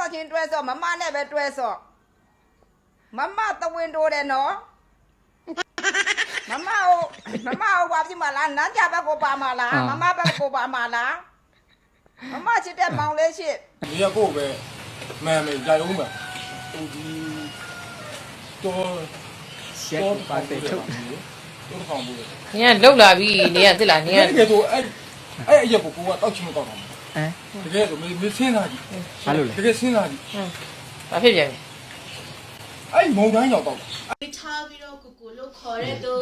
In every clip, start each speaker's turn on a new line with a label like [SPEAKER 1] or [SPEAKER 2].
[SPEAKER 1] ချင်းတွဲစောမမနဲ့ပဲတွဲစောမမတဝင်းတိုးတယ်နော်မမဘာဖြစ်မလားနန်းကြဘက်ကိုပါမလားမမဘက်ကိုပါမလားမမချစ်တဲ့မောင်လေးရှိ
[SPEAKER 2] 你也够呗，买没加油呗，都是多
[SPEAKER 3] 把对头。
[SPEAKER 2] 都是防不的。
[SPEAKER 4] 你看漏了比你看对了，你看
[SPEAKER 2] 那个都也不够啊，到期没到他们。
[SPEAKER 3] 哎，
[SPEAKER 2] 这个都没钱啥的，
[SPEAKER 3] 哪路嘞？
[SPEAKER 2] 这个钱啥的，
[SPEAKER 4] 把屁别
[SPEAKER 2] 哎，毛钱要到。
[SPEAKER 5] 差不多姑姑都考虑都，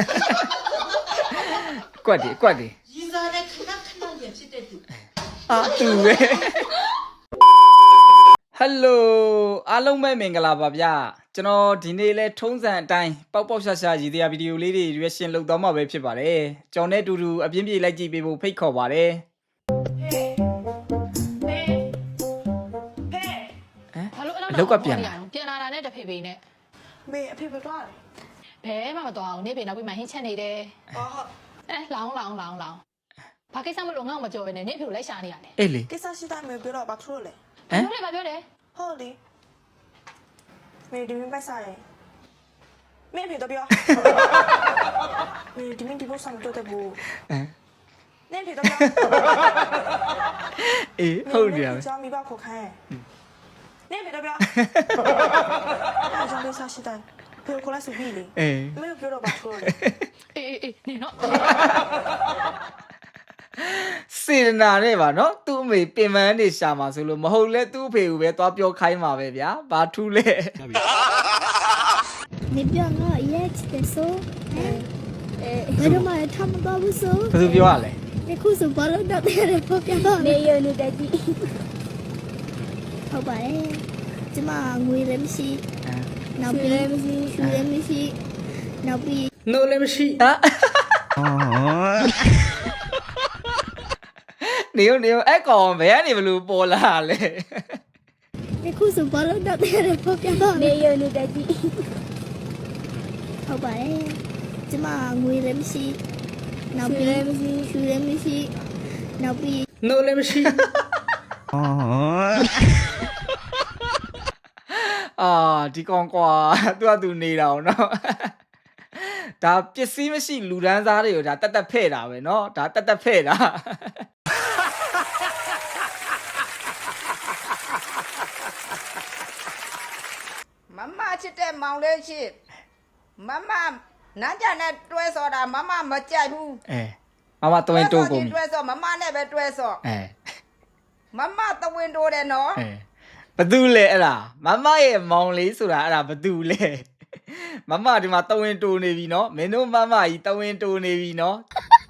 [SPEAKER 3] 怪的怪的。
[SPEAKER 5] 现在呢看到也是得读。
[SPEAKER 3] 啊，对呗。Hello အားလုံးပဲမင်္ဂလာပါဗျာကျွန်တော်ဒီနေ့လဲထုံးစံအတိုင်းပေါက်ပေါက်ရှာရှာရည်တရားဗီဒီယိုလေးတွေ reaction လုပ်သွားမှာပဲဖြစ်ပါတယ်ကျွန်တော်နဲ့အတူတူအပြင်းပြေးလိုက်ကြည့်ပေးဖို့ဖိတ်ခေါ်ပါတယ်အလောက်ကပြန်
[SPEAKER 6] လာတာနဲ့တဖေဖေနဲ့
[SPEAKER 1] မေအဖေပဲသွားတယ်
[SPEAKER 6] ဘဲမှမတော်အောင်နေဖေနောက်ပြီးမှဟင်းချက်နေတယ်
[SPEAKER 1] အော်ဟုတ်
[SPEAKER 6] လောင်းဘာကိစ္စမလို့ငေါ့မကြော်ပဲနဲ့နေဖေကိုလိုက်ရှာနေရတယ်
[SPEAKER 3] အေးလေ
[SPEAKER 1] ကိစ္စရှိတိုင်းမေပြောတော့ဘာထလို့လဲ
[SPEAKER 6] ဘာပြောလဲ
[SPEAKER 1] ဟုတ်လေမေဒီမင်းပိုက်စားရင်မင်းဖေတော့ပြောမေဒီမင်းဒီဘောဆောင်တော့တဲ့ဘူးနင်းဖေတော့ပြော
[SPEAKER 3] အေးဟုတ်တယ်ဗျာ
[SPEAKER 1] ကျောင်းမိဘခေါ်ခိုင်းနင်းဖေတော့ပြောအားကြောင့်ကိစ္စရှိတိုင်းဖေကိုလိုက်စုပြီးလေ
[SPEAKER 3] အေး
[SPEAKER 1] မေပြောတော့ဘာထလို့လဲ
[SPEAKER 6] အေးနေတော့
[SPEAKER 3] စေရနာနဲ့ပါနော်သူ့အမေပင်မန်းနေရှာမှာဆိုလို့မဟုတ်လဲသူ့အဖေကိုပဲသွားပြောခိုင်းမှာပဲဗျာဘာထူးလဲ
[SPEAKER 7] 你不要我也吃的素，为什么他们搞不素？
[SPEAKER 3] ဘယ်သူပြောရလဲ
[SPEAKER 7] 你苦手包了到底的不表达？没有你的地。好吧嘞，怎么我也没事，那边没事，树也没事，那边。
[SPEAKER 3] no လည်းမရှိနေအဲ့ကောင်ဘယ်ကနေဘလို့ပေါ်လာလဲ
[SPEAKER 7] 你苦手包了到底的不表达？没有你的地。好吧嘞，怎么我也没事，那边没事，树也没事，那边。
[SPEAKER 3] no လည်းမရှိဒီကောင်ကွာသူနေတာအောင်နော်ဒါပစ္စည်းမရှိလူဒန်းစားတွေကိုဒါတက်ဖဲ့တာပဲเนาะဒါတက်ဖဲ့တာ
[SPEAKER 1] မမချစ်တဲ့မောင်လေးရှိမမနန်းကြနဲ့တွဲစောတာမမမကြိုက်ဘူး
[SPEAKER 3] မမတဝင်းတိုးကုန်
[SPEAKER 1] တွဲစောမမနဲ့ပဲတွဲစောမမတဝင်းတိုးတယ်နော်
[SPEAKER 3] ဘသူလဲအဲ့ဒါမမရဲ့မောင်လေးဆိုတာအဲ့ဒါဘသူလဲမမဒီမှာတဝင်းတိုးနေပြီเนาะမင်းတို့မမကြီးတဝင်းတိုးနေပြီเนาะ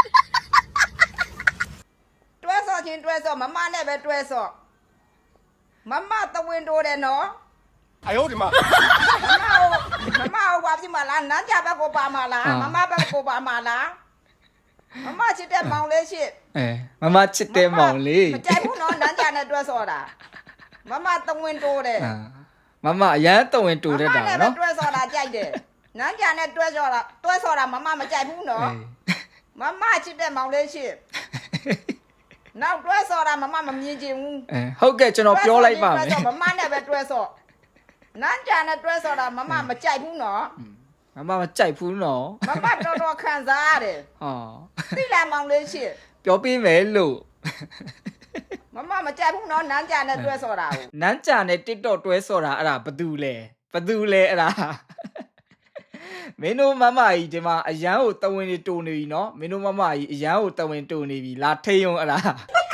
[SPEAKER 1] တွဲစောချင်းတွဲစောမမနဲ့ပဲတွဲစောမမတဝင်းတိုးတယ်နော်
[SPEAKER 2] 哎呦我的妈！
[SPEAKER 1] မမဘာဖြစ်မလားနန်းကြဘက်ကိုပါမလားမမဘက်ကိုပါမလားမမချစ်တဲ့မောင်လေးရှိ
[SPEAKER 3] မမချစ်တဲ့မောင်လေး
[SPEAKER 1] မကြိုက်ဘူးနော်နန်းကြနဲ့တွဲစောတာမမတဝင်းတိုးတယ်
[SPEAKER 3] မမအရန်တဝင်းတိုးတတ်တာနော်
[SPEAKER 1] တွဲစောတာကြိုက်တယ်နန်းကြနဲ့တွဲစောတာမမမကြိုက်ဘူးနော်မမချစ်တဲ့မောင်လေးရှိနောက်တွဲစောတာမမမမြင်ချင်ဘူး
[SPEAKER 3] ဟုတ်ကဲ့ကျွန်တော်ပြောလိုက်ပါမယ်
[SPEAKER 1] မမနဲ့ပဲတွဲစောနန်းကြနဲ့တွဲစောတာမမမကြိုက်ဘူးနော်
[SPEAKER 3] မမမကြိုက်ဘူးနော်
[SPEAKER 1] မမတော်ခံစားရတယ်
[SPEAKER 3] ဟော
[SPEAKER 1] သိလားမောင်လေးရှိ
[SPEAKER 3] ပြောပေးမယ်လို့
[SPEAKER 1] မမမကြိုက်ဘူးနော်နန်းကြနဲ့တွဲစောတာကို
[SPEAKER 3] နန်းကြနဲ့ TikTok တွဲစောတာအဲ့ဒါဘသူလဲအဲ့ဒါမင်းတို့မမကြီးဒီမှာအရန်ကိုတဝင်းတွေတူနေပြီနော်မင်းတို့မမကြီးအရန်ကိုတဝင်းတူနေပြီလာထိန်အောင်အဲ့ဒါ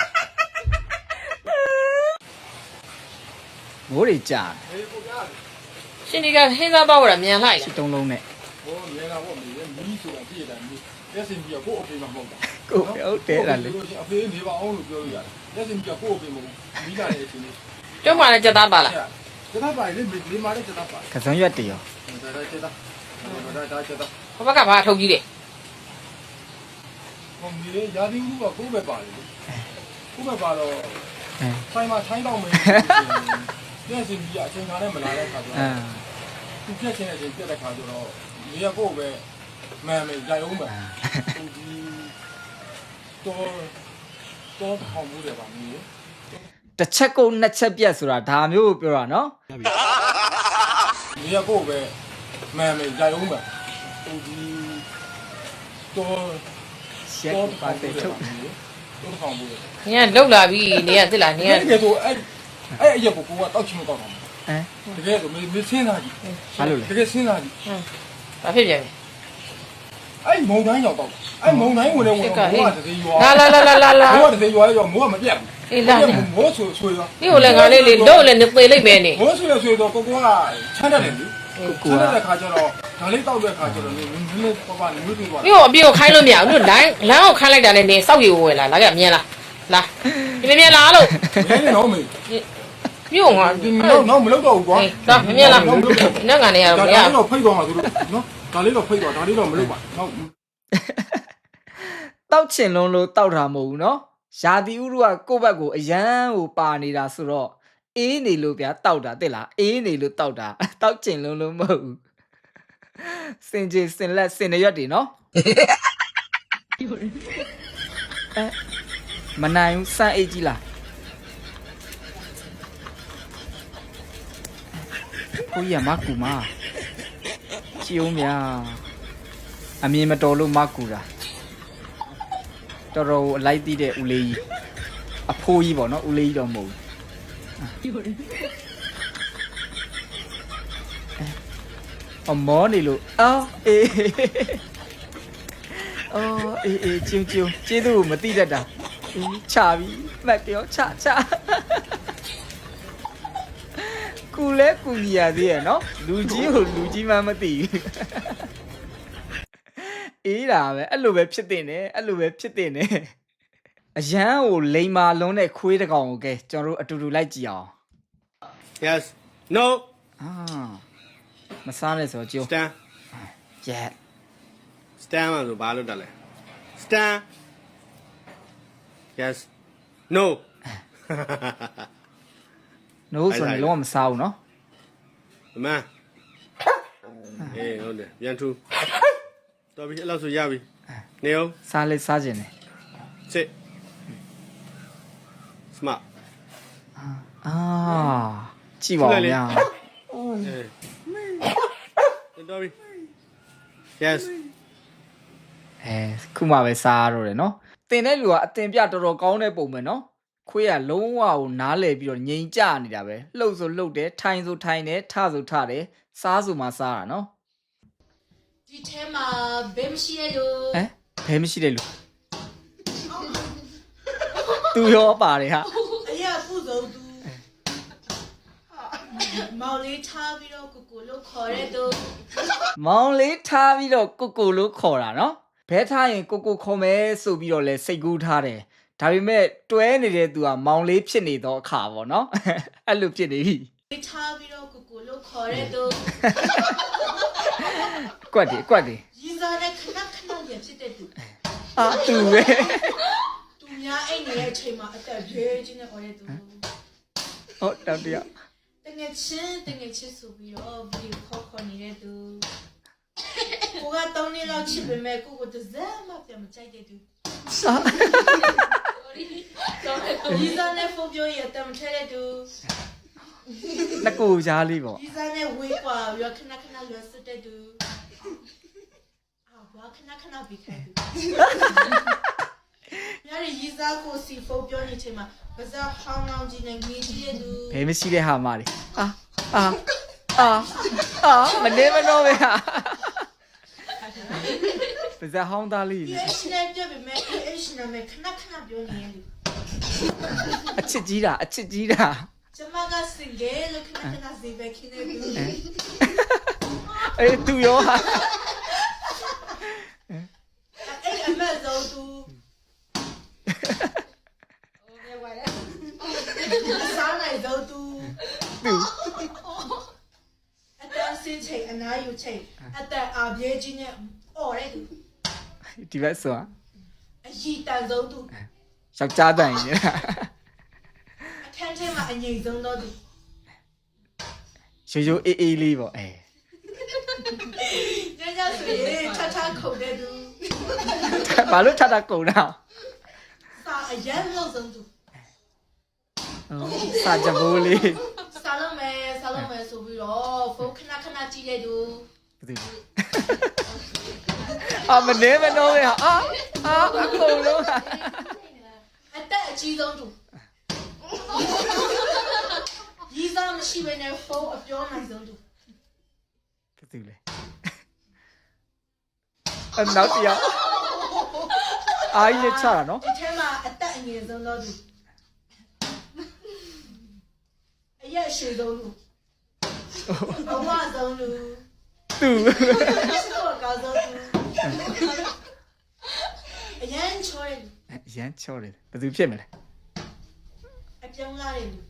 [SPEAKER 3] မိုးတွေကြာ
[SPEAKER 4] ရှင်ဒီကဟင်းစားပေါက်ရမြန်လိုက်
[SPEAKER 3] စစ်တုံးလုံးနဲ့
[SPEAKER 2] ဟောမြန်လာပေါ့မင်းမီးဆိုတာပြည့်တယ်မီးလက်စင်ပြကိုအဖေမဟုတ်တာ
[SPEAKER 3] ကိုဟုတ်တယ်လားလေ
[SPEAKER 2] အဖေနေပါအောင်လို့ပြောလို့ရတယ်လက်စင်ပြကိုအဖေမဟုတ်မီးလာတဲ့အချိန်လေး
[SPEAKER 4] ကျုံးပါနဲ့ကြက်သားပါလား
[SPEAKER 2] ကြက်သားပါလေဒီမှာလည်းကြက်သားပါ
[SPEAKER 3] ကစုံရွက်တရော
[SPEAKER 2] ဒါကြက်သားဒါကြက်သား
[SPEAKER 4] ဘဘကဘာထုတ်ကြီးလဲ
[SPEAKER 2] ဟိုမီးလေးရာသီဥတုကကိုယ်ပဲပါလေကိုယ်ပဲပါတော့ဆိုင်မှာထိုင်းတော့မင်းလက်စင်ပြအချိန်ခါနဲ့မလာတဲ့ခါကျတော့သူပြက်ချင်းတဲ့အချိန်ပြက်တဲ့ခါကျတော့နေရကိုပဲမှန်မယ်ရိုက်အောင်ပဲဟိုဒီတော့ထောင်မှုတယ်ပါမီး
[SPEAKER 3] တစ်ချက်ကုန်နှစ်ချက်ပြတ်ဆိုတာဒါမျိုးကိုပြောတာနော်
[SPEAKER 2] 你也够呗，买没加油没？手机多
[SPEAKER 3] ရှက်ပါတဲ့ထုတ်
[SPEAKER 2] 都放不了。
[SPEAKER 4] နင်ကလောက်လာပြီနင်ကသိလားနင်က
[SPEAKER 2] 那个都也不够啊，到期没到上。
[SPEAKER 3] ဟမ်
[SPEAKER 2] 这个都没剩啥的，
[SPEAKER 3] ဘာလို့လဲ
[SPEAKER 2] 这个剩啥的？
[SPEAKER 4] ဘာဖြစ်ပြန်လဲ
[SPEAKER 2] 哎，毛南要到，哎，毛南我这得要，
[SPEAKER 4] လာလာလာလာလာလာ
[SPEAKER 2] 我这得要，我没变。
[SPEAKER 4] အေးလာနေ
[SPEAKER 2] 我吹了，
[SPEAKER 4] ဒီကိုလည်းငါလေးလေးတော့လည်းနေသေးလိုက်မယ်နေ
[SPEAKER 2] 我吹了到哥哥啊，牵着嘞，牵着在看着了，哪里到在看着了，你爸爸你没对吧？
[SPEAKER 4] မြို့အပြေကိုခိုင်းလို့မရဘူးတို့လိုင်းလမ်းကိုခိုင်းလိုက်တာနဲ့နေစောက်ရီကိုဝင်လာလာကြမြင်လားလာဒီမြင်လားလို့
[SPEAKER 2] 没人老没，
[SPEAKER 4] မြို့ငါ
[SPEAKER 2] 那没老到过。
[SPEAKER 4] တော့မြင်လားနဲ့ငါနေရ
[SPEAKER 2] ဒါ
[SPEAKER 4] တော့မရ
[SPEAKER 2] လေးတော့ဖိတ်သွားမှာသူတို့နော်ဒါလေးတော့ဖိတ်သွားဒါလေးတော့မလုပ်ပါနော်
[SPEAKER 3] တောက်ချင်လုံးလို့တောက်တာမဟုတ်ဘူးနော်ရာသီဥတုကကိုယ့်ဘက်ကိုအရန်ကိုပါနေတာဆိုတော့အေးနေလို့ဗျာတောက်တာတဲ့လားအေးနေလို့တောက်တာတောက်ချင်လုံးလို့မဟုတ်ဘူးစင်ကြီးစင်လက်စင်ရွက်တွေနော်မနိုင်ဘူးစမ်းအိတ်ကြီးလားကိုကြီးကမကူမချီအောင်မြာအမြင်မတော်လို့မကူတာတော်တော်အလိုက်သိတဲ့ဦးလေးကြီးအဖိုးကြီးပေါ့နော်ဦးလေးကြီးတော့မဟုတ်ဘူးအမောနေလို့အော်အေးအော်အေးကျုံကျေးဇူးကိုမသိတတ်တာအေးချပြီမှတ်ပြောချကူလဲကူညီရသေးရဲ့နော်လူကြီးကိုလူကြီးမှမသိဘူးအေးတာပဲအဲ့လိုပဲဖြစ်တင်တယ်အဲ့လိုပဲဖြစ်တင်တယ်အရန်ကိုလိန်မာလုံးနဲ့ခွေးတကောင်ကိုကဲကျွန်တော်တို့အတူတူလိုက်ကြည့်အောင်
[SPEAKER 8] Yes. No.
[SPEAKER 3] အာမစားနဲ့ဆိုကြိုး
[SPEAKER 8] Stand.
[SPEAKER 3] yeah
[SPEAKER 8] Stand မှာဆိုဘာလို့တက်လဲ Stand. Yes. No.
[SPEAKER 3] no ဆိုရင်လုံးဝမစားဘူးနော်
[SPEAKER 8] အမအေးဟုတ်တယ်ပြန်ထူတော်ပြီအဲ့လောက်ဆိုရပြီနေအောင်
[SPEAKER 3] စားလဲစားခြင်းတယ်
[SPEAKER 8] Sit. Smart.
[SPEAKER 3] အာကြည့်ပါဦးဗျာ
[SPEAKER 8] တော်ပြီ Yes.
[SPEAKER 3] ခုမှပဲစားရတော့တယ်နော်တင်တဲ့လူကအတင်ပြတော်တော်ကောင်းတဲ့ပုံပဲနော်ခွေးကလုံးဝကိုနားလဲပြီးတော့ငြိမ်ကြနေတာပဲလှုပ်ဆိုလှုပ်တယ်ထိုင်ဆိုထိုင်တယ်ထဆိုထတယ်စားဆိုမှစားတာနော်
[SPEAKER 5] ဒီထဲမှာဘယ်မရှိရလို့
[SPEAKER 3] ဘယ်မရှိတဲ့လူသူရောပါတယ်ဟာ
[SPEAKER 5] အရာပုစုံသူမောင်လေးထားပြီးတော့ကိုကိုလို့ခေါ်ရတော့
[SPEAKER 3] မောင်လေးထားပြီးတော့ကိုလို့ခေါ်တာနော်ဘဲထားရင်ကိုခေါ်မယ်ဆိုပြီးတော့လဲစိတ်ကူးထားတယ်ဒါပေမဲ့တွဲနေတဲ့သူကမောင်လေးဖြစ်နေတော့အခါပေါ့နော်အဲ့လိုဖြစ်နေပြီ
[SPEAKER 5] ထားပြီးတော့ကိုကိုလို့ခေါ်ရတော့
[SPEAKER 3] ကွက်တယ်
[SPEAKER 5] ရီစားတဲ့ခဏရဖြစ်တဲ့သူ
[SPEAKER 3] အာသူပဲ
[SPEAKER 5] သူများအိမ်နေတဲ့အချိန်မှာအသက်ရွယ်ချင်းနဲ့ခေါ်ရတဲ့သူ
[SPEAKER 3] ဟုတ်တောင်တရ
[SPEAKER 5] တငယ်ချင်းဆိုပြီးတော့ဗီဒီယိုခေါ်နေတဲ့သူကိုကတောင်းနေတော့ချစ်ပေမဲ့ကိုတစ်စက်မှပြန်မကြိုက်တဲ့သူရီစားနဲ့ဖုန်းပြောရတဲ့မထဲတဲ့သူ
[SPEAKER 3] နှစ်ကိုကြားလေးပေါ့
[SPEAKER 5] ရီစားနဲ့ဝေးกว่าရခဏလွယ်စတဲ့သူဘာခဏပြီးခဲ့သူများရီစားကိုစီဖုန်းပြောနေချိန်မှာပါဇာဟောင်းလောင်းကြီးနဲ့ငေးကြီးတဲ့သူ
[SPEAKER 3] ဘယ်မရှိတဲ့ဟာမလေးအာမနေမတော့ပဲဟာပါဇာဟောင်းသားလေး
[SPEAKER 5] ဒီအရှင်နဲ့ပြပေမဲ့အရှင်နဲ့ခဏပြောနေတယ်
[SPEAKER 3] အချစ်ကြီးတာ
[SPEAKER 5] ကျမကစင်ကယ်လို့ခဏစီပဲခင်းနေသူ
[SPEAKER 3] အေးသူရောဟာ
[SPEAKER 5] အဲ့အမေဇောသူစားနိုင်ဇောသူအတန်းစင်းချိန်အနားယူချိန်အသက်အာပြေးကြီးနဲ့အော်ရဲသူ
[SPEAKER 3] ဒီဘက်ဆို
[SPEAKER 5] အရီတန်ဆုံးသူ
[SPEAKER 3] ယောက်ျားတန်ရင်
[SPEAKER 5] အခန်းထဲမှာအငြိမ်ဆုံးတော့သူ
[SPEAKER 3] ရိုးအေးလေးပေါ့
[SPEAKER 5] ညဆိုရင်ထခုန်တဲ့သူ
[SPEAKER 3] ဘာလို့ထကုန်တာ
[SPEAKER 5] စာအရန်လို့ဆုံးသူ
[SPEAKER 3] ဩစာကြဘိုးလေး
[SPEAKER 5] စားလုံးမယ်ဆိုပြီးတော့ဖုန်းခဏကြည့်တဲ့သူ
[SPEAKER 3] ဘယ်သူအာမနေမနှောပဲဟာအကုန်လုံး
[SPEAKER 5] အသက်အကြီးဆုံးသူရီးစားမရှိဘဲနဲ့ဖုန်းအပြောနိုင်ဆုံးသူ
[SPEAKER 3] ဘယ်သူလဲနောက်တစ်ယောက်အားကြီးနဲ့ချတာနော်
[SPEAKER 5] ဒီထဲမှာအသက်အငယ်ဆုံးတော့သူအရက်ရှည်ဆုံးသူဘဝဆုံးသူ
[SPEAKER 3] သူ
[SPEAKER 5] တော့ကောင်းဆုံးသူအရန်ချောတယ်
[SPEAKER 3] ရမ်းချောတယ်ဘယ်သူဖြစ်မလဲ
[SPEAKER 5] အပြောင်းလာတယ်သူ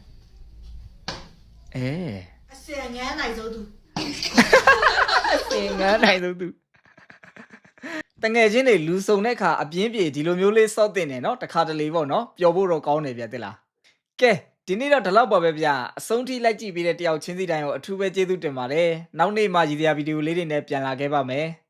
[SPEAKER 5] အစင်ငန်းနိုင်ဆုံးသူ
[SPEAKER 3] သင်ငန်းနိုင်သူတငယ်ချင်းတွေလူစုံတဲ့ခါအပြင်းပြေဒီလိုမျိုးလေးစော့တင်တယ်နော်တခါတလေပေါ့နော်ပျော်ဖို့တော့ကောင်းတယ်ဗျတဲ့လားကဲဒီနေ့တော့ဒီလောက်ပါပဲဗျအဆုံးထိလိုက်ကြည့်ပေးတဲ့တယောက်ချင်းစီတိုင်းကိုအထူးပဲကျေးဇူးတင်ပါတယ်နောက်နေ့မှရည်ရွယ်ဗီဒီယိုလေးတွေနဲ့ပြန်လာခဲ့ပါမယ်